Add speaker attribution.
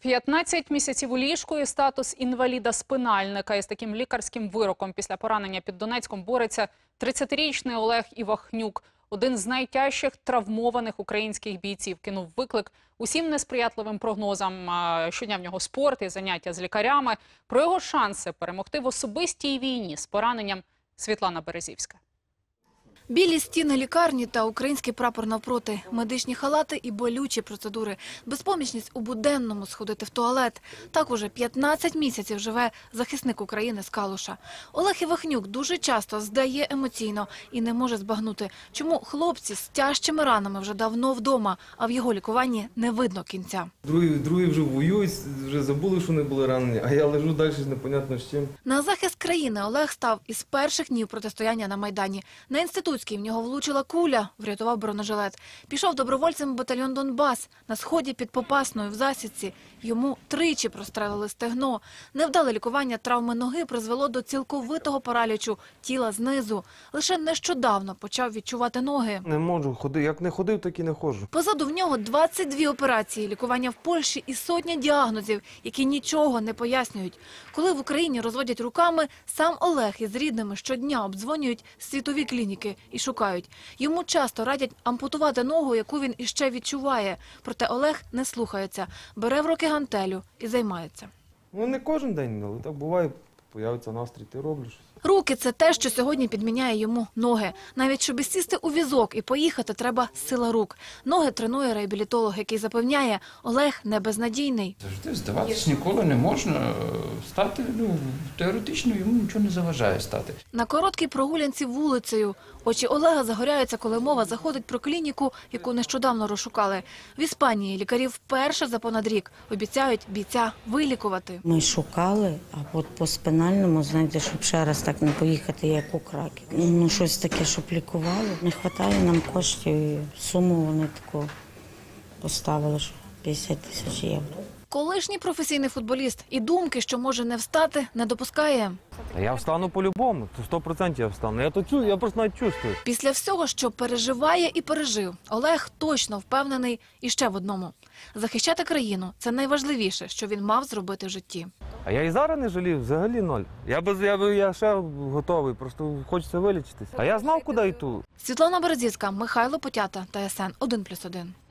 Speaker 1: 15 місяців у ліжку і статус інваліда-спинальника. Із таким лікарським вироком після поранення під Донецьком бореться 30-річний Олег Івахнюк. Один з найтяжчих травмованих українських бійців. Кинув виклик усім несприятливим прогнозам. Щодня в нього спорт і заняття з лікарями. Про його шанси перемогти в особистій війні з пораненням Світлана Березівська.
Speaker 2: Білі стіни лікарні та український прапор навпроти, медичні халати і болючі процедури, безпомічність у буденному сходити в туалет. Так уже 15 місяців живе захисник України з Калуша. Олег Івахнюк дуже часто здає емоційно і не може збагнути, чому хлопці з тяжчими ранами вже давно вдома, а в його лікуванні не видно кінця.
Speaker 3: Другі вже воюють, вже забули, що не були ранені, а я лежу далі непонятно з чим.
Speaker 2: На захист країни Олег став із перших днів протистояння на Майдані. На Інститутській в нього влучила куля, врятував бронежилет. Пішов добровольцем в батальйон «Донбас». На сході під Попасною в засідці йому тричі прострелили стегно. Невдале лікування травми ноги призвело до цілковитого паралічу тіла знизу. Лише нещодавно почав відчувати ноги.
Speaker 3: Не можу ходити, як не ходив, так і не ходжу.
Speaker 2: Позаду в нього 22 операції, лікування в Польщі і сотня діагнозів, які нічого не пояснюють. Коли в Україні розводять руками, сам Олег із рідними щодня обдзвонюють світові клініки і шукають. Йому часто радять ампутувати ногу, яку він іще відчуває. Проте Олег не слухається, бере в руки гантелю і займається.
Speaker 3: Ну не кожен день, але так буває, появиться настрій, ти робиш щось.
Speaker 2: Руки – це те, що сьогодні підміняє йому ноги. Навіть щоб сісти у візок і поїхати, треба сила рук. Ноги тренує реабілітолог, який запевняє, Олег не безнадійний.
Speaker 4: Завжди здаватись ніколи не можна. Стати, теоретично йому нічого не заважає стати.
Speaker 2: На короткій прогулянці вулицею. Очі Олега загоряються, коли мова заходить про клініку, яку нещодавно розшукали. В Іспанії лікарі вперше за понад рік обіцяють бійця вилікувати.
Speaker 5: Ми шукали, а от по спинальному, знаєте, щоб ще раз так не поїхати, як у Краків. Ну, щось таке, щоб лікували. Не вистачає нам коштів, і суму вони таку поставили, що 50 тисяч євро.
Speaker 2: Колишній професійний футболіст і думки, що може не встати, не допускає.
Speaker 3: Я встану по-любому, 100% я встану. Я просто навіть чувствую.
Speaker 2: Після всього, що переживає і пережив, Олег точно впевнений іще в одному. Захищати країну – це найважливіше, що він мав зробити в житті.
Speaker 3: А я і зараз не жалів, взагалі ноль. Я ще готовий, просто хочеться вилічитись. А я знав, куди йду.
Speaker 2: Світлана Березівська, Михайло Потята, ТСН 1+1.